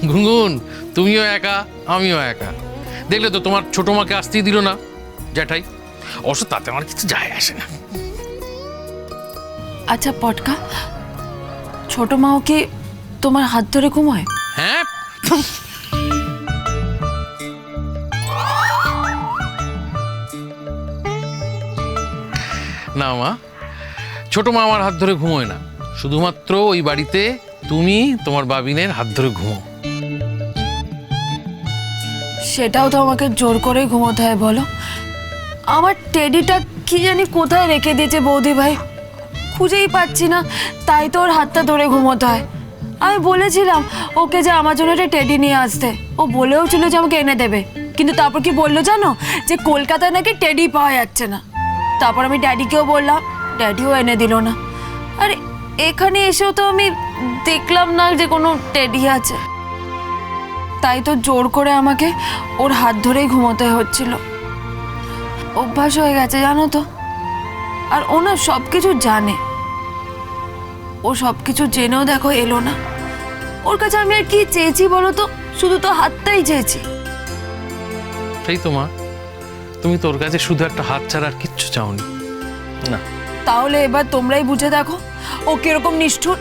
গুনগুন, তুমিও একা, আমিও একা। দেখলে তো তোমার ছোট মাকে আসতেই দিল না জ্যাঠাই। অবশ্য তাতে আমার কিছু যায় আসে না। আচ্ছা পটকা, ছোট মাও কি তোমার হাত ধরে ঘুমায়? হ্যাঁ, না মা, ছোট মা আমার হাত ধরে ঘুমোয় না। শুধুমাত্র ওই বাড়িতে তুমি তোমার বাবিনের হাত ধরে ঘুমো। সেটাও তো আমাকে জোর করে ঘুমোতে হয় বলো। আমার টেডিটা কি জানি কোথায় রেখে দিয়েছে বৌদি ভাই, খুঁজেই পাচ্ছি না, তাই তো ওর হাতটা ধরে ঘুমোতে হয়। আমি বলেছিলাম ওকে যে আমার জন্য একটা টেডি নিয়ে আসতে, ও বলেও ছিল যে আমাকে এনে দেবে, কিন্তু তারপর কি বললো জানো, যে কলকাতায় নাকি টেডি পাওয়া যাচ্ছে না। তারপর আমি ড্যাডিকেও বললাম, ড্যাডিও এনে দিল না। আর এখানে এসেও তো আমি দেখলাম না যে কোনো টেডি আছে, তাই তো জোর করে আমাকে ওর হাত ধরেই ঘুমোতে হচ্ছিল। অভ্যাস হয়ে গেছে জানো তো। আর ও না সব কিছু জানে, ও সব কিছু জেনেও দেখো এলো না। ওর কাছে আমি আর কি চেয়েছি বলো তো, শুধু তো হাতটাই চেয়েছি। সেই তো মা, তুমি তোর কাছে শুধু একটা হাত ছাড়া আর কিচ্ছু চাওনি না। তাহলে এবার তোমরাই বুঝে দেখো ও কিরকম নিষ্ঠুর।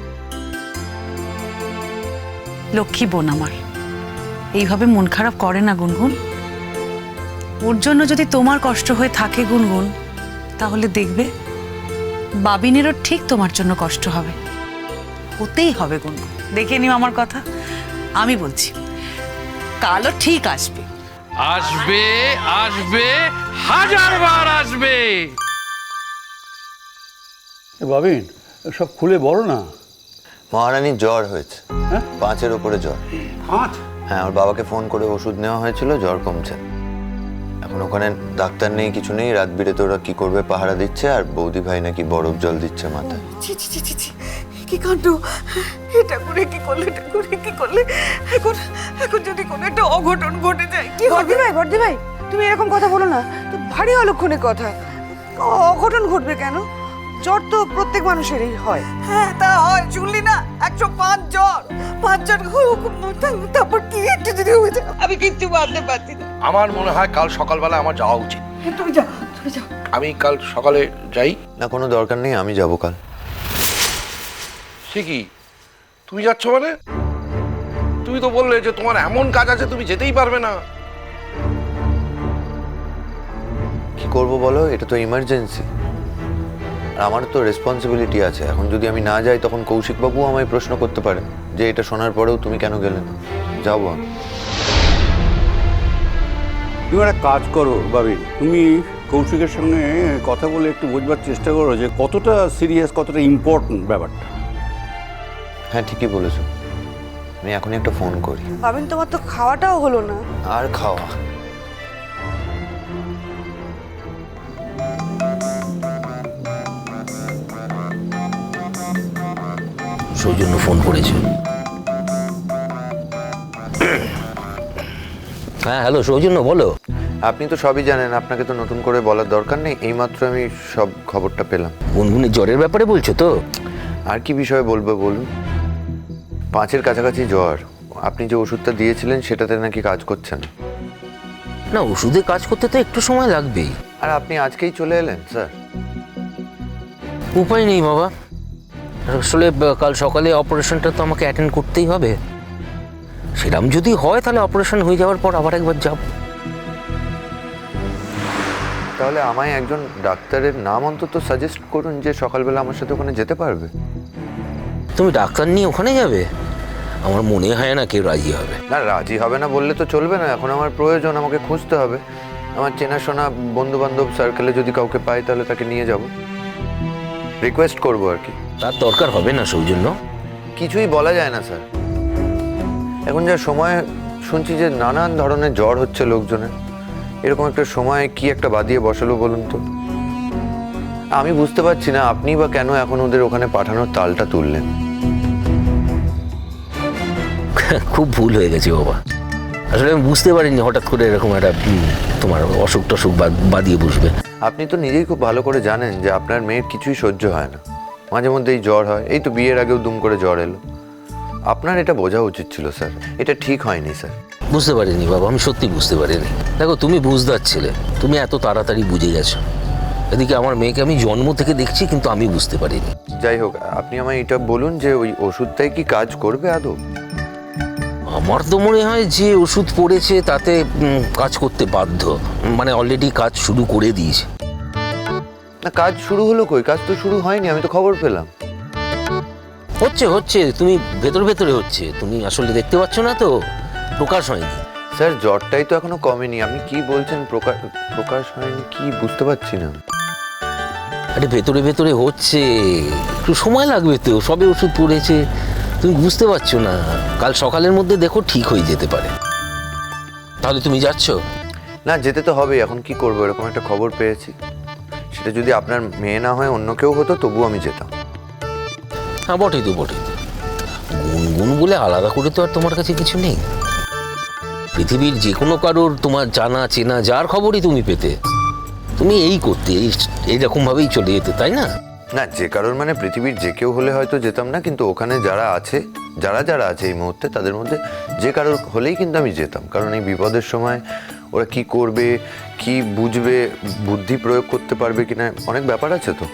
লক্ষ্মী বোন আমার এইভাবে মন খারাপ করে না গুনগুন। ওর জন্য যদি তোমার কষ্ট হয়ে থাকে গুনগুন, তাহলে দেখবে বাবিনেরও ঠিক তোমার জন্য কষ্ট হবে, হতেই হবে গুনগুন। দেখে নিও আমার কথা, আমি বলছি কালও ঠিক আসবে। আসবে, আসবে, হাজারবার আসবে। বাবিন, সব খুলে বলো না। মহারানীর জ্বর হয়েছে, হ্যাঁ? 5-এর উপরে জ্বর। 5? হ্যাঁ, ওর বাবাকে ফোন করে ওষুধ নেওয়া হয়েছিল, জ্বর কমছে। এখন ওখানে ডাক্তার নেই, কিছু নেই, রাত বিরেতে ওরা কি করবে পাহারা দিচ্ছে, আর বৌদি ভাই নাকি বরফ জল দিচ্ছে মাথায়। ছি ছি ছি ছি ছি, কি কাণ্ড! এটা করে কি করলে, এটা করে কি করলে! এখন এখন যদি কোনো একটা অঘটন ঘটে যায় কি হবে? বর্দি ভাই, তুমি এরকম কথা বলো না তো, ভারী অলক্ষণের কথা। অঘটন ঘটবে কেন? জ্বর তো প্রত্যেক মানুষেরই হয়। হ্যাঁ তা হয়, শুনলি না, 105 জ্বর, 5 জন। তারপর কি একটু যদি হয়ে যায়, আমি কিচ্ছু ভাবতে পারছি না। আমার মনে হয় কাল সকালবেলা আমার যাওয়া উচিত। তুমি যাও, তুমি যাও। আমি কাল সকালে যাই। না, কোনো দরকার নেই, আমি যাবো কাল। সে কি, তুমি যাচ্ছ মানে? তুমি তো বললে যে তোমার এমন কাজ আছে তুমি যেতেই পারবে না। কি করব বলো, এটা তো ইমার্জেন্সি, আর আমার তো রেসপন্সিবিলিটি আছে। এখন যদি আমি না যাই তখন কৌশিকবাবু আমায় প্রশ্ন করতে পারেন যে এটা শোনার পরেও তুমি কেন গেলে না। যাবো আমি। তুমি একটা কাজ করো বাবিন, তুমি কৌশিকের সঙ্গে কথা বলে একটু বোঝবার চেষ্টা করো যে কতটা সিরিয়াস, কতটা ইম্পর্টেন্ট ব্যাপারটা। হ্যাঁ, ঠিকই বলেছো, আমি এখনই একটা ফোন করি। ভাবেন তোমার তো খাওয়াটাও হলো না। আর খাওয়া? সৌজন্য ফোন করেছে। হ্যাঁ হ্যালো সৌজন্য, বলো। আপনি তো সবই জানেন, আপনাকে তো নতুন করে বলার দরকার নেই, এইমাত্র আমি সব খবরটা পেলাম। গুনগুনের জ্বরের ব্যাপারে বলছো তো? আর কি বিষয়ে বলবো বলুন? 5-এর কাছাকাছি জ্বর। আপনি যে ওষুধটা দিয়েছিলেন সেটাতে নাকি কাজ করছে না। না, ওষুধে কাজ করতে তো একটু সময় লাগবেই। আর আপনি আজকেই চলে এলেন স্যার? উপায় নেই বাবা, আসলে কাল সকালে অপারেশনটা তো আমাকে অ্যাটেন্ড করতেই হবে। সেরকম যদি হয় তাহলে অপারেশন হয়ে যাওয়ার পর আবার একবার যাব। তাহলে আমায় একজন ডাক্তারের নাম অন্তত সাজেস্ট করুন যে সকালবেলা আমার সাথে ওখানে যেতে পারবে। তুমি ডাক্তার নিয়ে ওখানে যাবে? আমার মনে হয় না কেউ রাজি হবে। না, রাজি হবে না বললে তো চলবে না, এখন আমার প্রয়োজন, আমাকে খুঁজতে হবে। আমার চেনাশোনা বন্ধু বান্ধব সার্কেলে যদি কাউকে পাই তাহলে তাকে নিয়ে যাব, রিকোয়েস্ট করবো আর কি। তার দরকার হবে না সৌজন্য। কিছুই বলা যায় না স্যার, এখন যা সময় শুনছি যে নানান ধরনের জ্বর হচ্ছে লোকজনের। এরকম একটা সময় কি একটা বাদিয়ে বসালো বলুন তো? আমি বুঝতে পারছি না আপনি বা কেন এখন ওদের ওখানে পাঠানোর তালটা তুললেন। খুব ভুল হয়ে গেছে বাবা, আসলে আমি বুঝতে পারিনি হঠাৎ করে এরকম একটা তোমার অসুখ টসুখ বাদিয়ে বসবে। আপনি তো নিজেই খুব ভালো করে জানেন যে আপনার মেয়ের কিছুই সহ্য হয় না, মাঝে মধ্যেই জ্বর হয়। এই তো বিয়ের আগেও দুম করে জ্বর এলো। আপনার এটা বোঝা উচিত ছিল স্যার, এটা ঠিক হয়নি স্যার। বুঝতে পারিনি বাবা, আমি সত্যি বুঝতে পারিনি। দেখো তুমি বুঝদার ছেলে, তুমি এত তাড়াতাড়ি বুঝে গেছো। এদিকে আমার মেয়েকে আমি জন্ম থেকে দেখছি, কিন্তু আমি বুঝতে পারিনি। যাই হোক, আপনি আমায় এটা বলুন যে ওই ওষুধটাই কি কাজ করবে আদৌ? আমার তো মনে হয় যে ওষুধ পড়েছে তাতে কাজ করতে বাধ্য, মানে অলরেডি কাজ শুরু করে দিয়েছে। না, কাজ শুরু হলো কই? কাজ তো শুরু হয়নি, আমি তো খবর পেলাম। হচ্ছে হচ্ছে, তুমি ভেতরে ভেতরে হচ্ছে, তুমি আসলে দেখতে পাচ্ছ না তো, প্রকাশ হয়নি। স্যার জ্বরটাই তো এখনো কমেনি, আপনি কি বলছেন প্রকাশ হয়নি? কি বুঝতে পারছি না। আরে ভেতরে ভেতরে হচ্ছে, একটু সময় লাগবে তো, সবে ওষুধ পড়েছে, তুমি বুঝতে পারছো না। কাল সকালের মধ্যে দেখো ঠিক হয়ে যেতে পারে। তাহলে তুমি যাচ্ছ? না, যেতে তো হবে, এখন কি করবো, এরকম একটা খবর পেয়েছি। সেটা যদি আপনার মেয়ে না হয় অন্য কেউ হতো তবুও আমি যেতাম। হ্যাঁ বটেই তো, বটেই তো। গুনগুন বলে আলাদা করে তো আর তোমার কাছে কিছু নেই। পৃথিবীর যে কোনো কারোর তোমার জানা চেনা যার খবরই তুমি পেতে, তুমি এই করতে এইরকমভাবেই চলে যেতে, তাই না? না, যে কারোর মানে পৃথিবীর যে কেউ হলে হয়তো যেতাম না, কিন্তু ওখানে যারা আছে, যারা আছে এই মুহূর্তে, তাদের মধ্যে যে কারোর হলেই কিন্তু আমি যেতাম। কারণ এই বিপদের সময় ওরা কি করবে, কি বুঝবে, বুদ্ধি প্রয়োগ করতে পারবে কিনা, অনেক ব্যাপার আছে তো।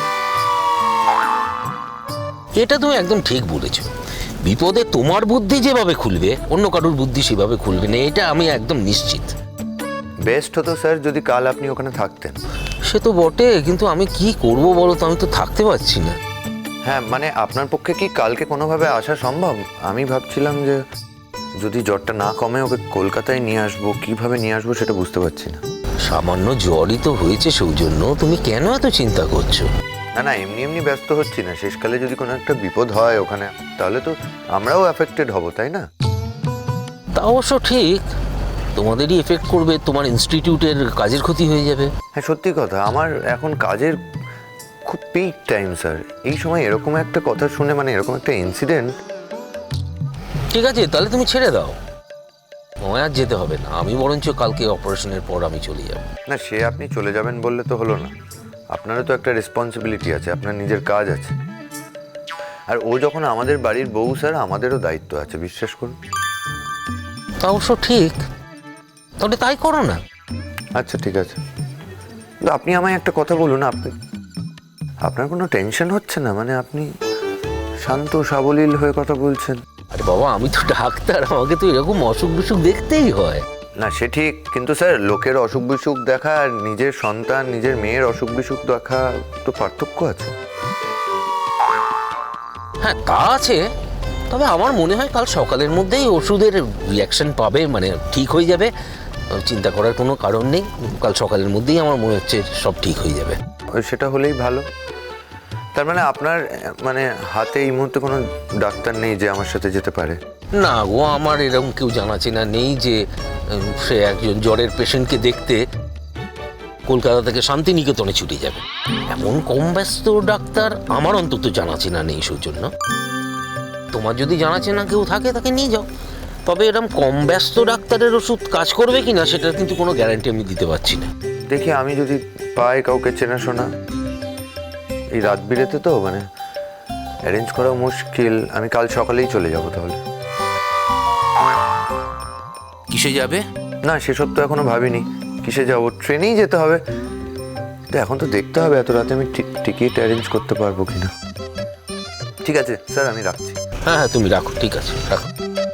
এটা তুমি একদম ঠিক বলেছো। বিপদে তোমার বুদ্ধি যেভাবে খুলবে, অন্য কারোর বুদ্ধি সেভাবে খুলবে না, এটা আমি একদম নিশ্চিত। বেস্ট হতো স্যার যদি কাল আপনি ওখানে থাকতেন। সে তো বটে, কিন্তু আমি কি করব বলো তো, আমি তো থাকতে পারছি না। হ্যাঁ, মানে আপনার পক্ষে কি কালকে কোনোভাবে আসা সম্ভব? আমি ভাবছিলাম যে যদি জ্বরটা না কমে ওকে কলকাতায় নিয়ে আসবো, কিভাবে নিয়ে আসবো সেটা বুঝতে পারছি না। সামান্য জ্বরই তো হয়েছে সৌজন্য, তুমি কেন এত চিন্তা করছো? না, এমনি ব্যস্ত হচ্ছি না। শেষকালে যদি কোনো একটা বিপদ হয় ওখানে, তাহলে তো আমরাও অ্যাফেক্টেড হব, তাই না? তা অবশ্য ঠিক, তোমাদেরই এফেক্ট করবে, তোমার ইনস্টিটিউটের কাজের ক্ষতি হয়ে যাবে। হ্যাঁ, সত্যি কথা, আমার এখন কাজের খুব পিক টাইম স্যার। এই সময় এরকম একটা কথা শুনে, মানে এরকম একটা ইনসিডেন্ট। ঠিক আছে, তাহলে তুমি ছেড়ে দাও, তোমায় আর যেতে হবে না। আমি বরঞ্চ কালকে অপারেশনের পর আমি চলে যাব। না, সে আপনি চলে যাবেন বললে তো হলো না। আপনারও তো একটা রেসপন্সিবিলিটি আছে, আপনার নিজের কাজ আছে। আর ও যখন আমাদের বাড়ির বউ স্যার, আমাদেরও দায়িত্ব আছে, বিশ্বাস করুন। তা অবশ্য ঠিক, তাহলে তাই করো না। আচ্ছা ঠিক আছে, কিন্তু আপনি আমায় একটা কথা বলুন, আপনার কোনো টেনশন হচ্ছে না? মানে আপনি শান্ত সাবলীল হয়ে কথা বলছেন। আরে বাবা, আমি তো ডাক্তার, আমাকে তো এরকম অসুখ বিসুখ দেখতেই হয়। না, সে ঠিক, কিন্তু স্যার লোকের অসুখ বিসুখ দেখা আর নিজের সন্তান, নিজের মেয়ের অসুখ বিসুখ দেখা তো পার্থক্য আছে। হ্যাঁ তা আছে, তবে আমার মনে হয় কাল সকালের মধ্যেই ওষুধের রিয়াকশন পাবে, মানে ঠিক হয়ে যাবে। চিন্তা করার কোনো কারণ নেই, কাল সকালের মধ্যেই আমার মনে হচ্ছে সব ঠিক হয়ে যাবে। সেটা হলেই ভালো। তার মানে আপনার মানে হাতে এই মুহূর্তে কোনো ডাক্তার নেই যে আমার সাথে যেতে পারে? না গো, আমার এরকম কেউ জানা চেনা নেই যে সে একজন জ্বরের পেশেন্টকে দেখতে কলকাতা থেকে শান্তিনিকেতনে ছুটে যাবে। এমন কম ব্যস্ত ডাক্তার আমার অন্তত জানা চেনা নেই সৌজন্য। তোমার যদি জানা চেনা কেউ থাকে তাকে নিয়ে যাও, তবে এরকম কম ব্যস্ত ডাক্তারের ওষুধ কাজ করবে কিনা সেটার কিন্তু কোনো গ্যারান্টি আমি দিতে পারছি না। দেখি আমি যদি পাই কাউকে চেনাশোনা। এই রাত বিরেতে তো মানে অ্যারেঞ্জ করা মুশকিল। আমি কাল সকালেই চলে যাব তাহলে। কিসে যাবে? না, সেসব তো এখনো ভাবিনি। কিসে যাব? ট্রেনেই যেতে হবে। তো এখন তো দেখতে হবে এত রাতে আমি টিকিট অ্যারেঞ্জ করতে পারবো কিনা। ঠিক আছে স্যার, আমি রাখছি। হ্যাঁ হ্যাঁ, তুমি রাখো, ঠিক আছে রাখো।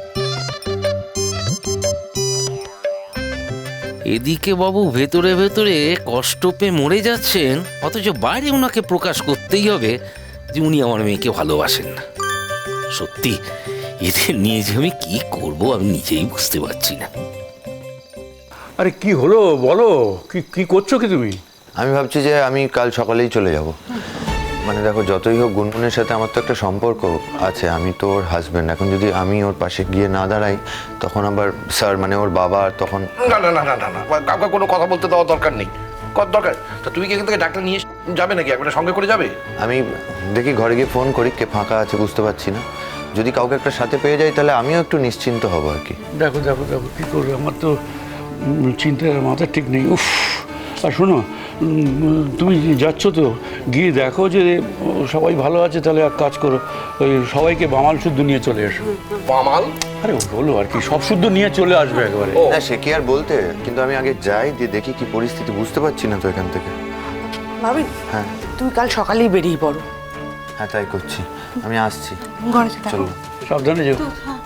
এদিকে বাবু ভেতরে ভেতরে কষ্ট পেয়ে মরে যাচ্ছেন, অথচ বাইরে ওনাকে প্রকাশ করতেই হবে যে উনি আমার মেয়েকে ভালোবাসেন না। সত্যি এদের নিয়ে যে আমি কি করব আমি নিজেই বুঝতে পারছি না। আরে কি হলো বলো, কি করছো কি তুমি? আমি ভাবছি যে আমি কাল সকালেই চলে যাব। মানে দেখো, যতই হোক গুনগুনের সাথে আমার তো একটা সম্পর্ক আছে, আমি তো ওর হাজব্যান্ড। এখন যদি আমি ওর পাশে গিয়ে না দাঁড়াই, তখন আবার স্যার মানে ওর বাবা তখন। না না না না না না, কাউকে কোনো কথা বলতে দেওয়ার দরকার নেই। কত দরকার? তো তুমি কি এখান থেকে ডাক্তার নিয়ে যাবে নাকি? একবারে সঙ্গে করে যাবে? আমি দেখি ঘরে গিয়ে ফোন করি কে ফাঁকা আছে, বুঝতে পারছি না। যদি কাউকে একটা সাথে পেয়ে যাই তাহলে আমিও একটু নিশ্চিন্ত হব আর কি। দেখো কি করবে, আমার তো চিন্তার মাথা ঠিক নেই। উফ, আর শোনো তুমি যাচ্ছ তো গিয়ে দেখো যে সবাই ভালো আছে, তাহলে এক কাজ করো, ওই সবাইকে বামাল শুদ্ধ নিয়ে চলে এসো। বামাল? আরে হলো আর কি, সব শুদ্ধ নিয়ে চলে আসবে একবারে। না সে কি আর বলতে, কিন্তু আমি আগে যাই, দিয়ে দেখি কি পরিস্থিতি, বুঝতে পারছি না তো এখান থেকে। ভাবি হ্যাঁ তুমি কাল সকালেই বেরিয়ে পড়ো। হ্যাঁ তাই করছি, আমি আসছি। ঘরে থাকো। চলো। সাবধানে যেও।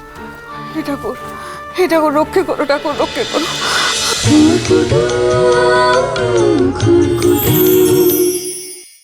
হে ঠাকুর রক্ষে করো, ঠাকুর রক্ষে করো। খুকুদু